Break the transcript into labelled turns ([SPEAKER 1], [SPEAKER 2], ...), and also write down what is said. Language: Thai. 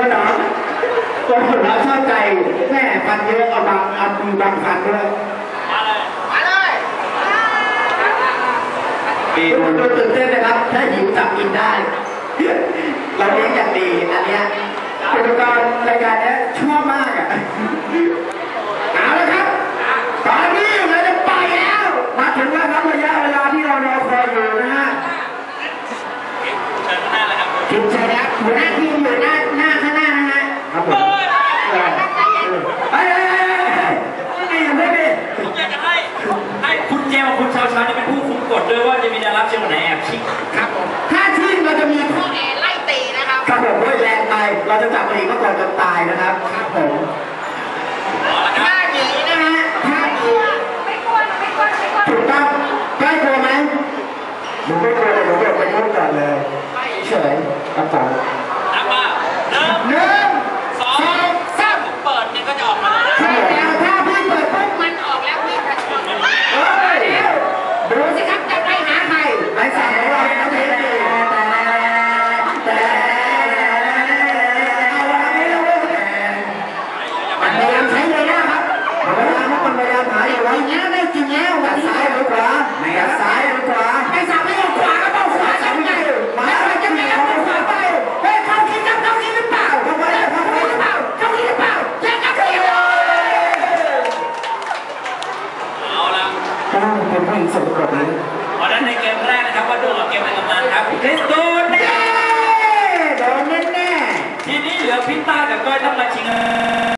[SPEAKER 1] เหรอตัวเราชอบใจแม่ฟันเยอะเอามือบางฟันด้วยมาเลยดูตื่นเต้นนะครับถ้าหิวจับกินได้เราเลี้ยงอย่างดีอันเนี้ยอุปกรณ์รายการนี้ชั่วมากอ่ะเอาละครับตอนนี้เราจะไปแล้วมาถึงแล้วครับระยะเวลาที่เรารอคอยอยู่นะฮะทีมชายนะหัวหน้าทีมอยู่หน้าข้างหน้านะฮะครับผม
[SPEAKER 2] ผมอยากจะให้คุณเจมกับคุณชาวชานี่เป็นผู้คุมกฎด้วยว่าจะมีดาราเชียงไหนแอบชิง
[SPEAKER 1] ครับผมถ้าชิงเราจะมีข้อแอไล่ตีนะครับครับผมด้วยแรงไปเราจะจับไปอีกก็ก่อนจนตายนะครับครับผมท่าหนีนะฮะท่าหนีไม่กลัวถูกต้องใกล้กลัวไหมหนูไม่กลัวเลยหนูแบบไปยุ่งก่อนเลยเฉยครับผม
[SPEAKER 2] นับมา1 2 3เปิดนี่ก็จะออกมา
[SPEAKER 1] ใช่แล้วถ้าพี่เปิดปุ๊บมันออกแล้วพี่จะชนดูสิครับจะไปหาใครไปสั่งของเราแล้วพี่มันพยายามใช้เลยนะครับมันพยายามหาอยู่ว่าอย่างนี้ได้จริงแล้วด้านซ้ายหรือขวาด้านซ้ายหรือขวาไอ้สามไม่เอาขวาก็ต้องขวาทำไงหมายว่าจะไม่เอาขวาไปเฮ้ยเข้าที่จับเข้าที่หรือเปล่าเข้าที่หรือเปล่าเข้าที่หรือเปล่าแย่งกันเลย
[SPEAKER 2] เอาละ
[SPEAKER 1] ต้องเป็นผู้หญิงสมบูรณ์นี้
[SPEAKER 2] เพราะนั้นในเกมแรกนะครับว่าดูกับเกมในกำนันครับคริสโดนแน่
[SPEAKER 1] โดนแน่
[SPEAKER 2] ทีนี้เหลือพิต้ากับก้อยต้องมาชิง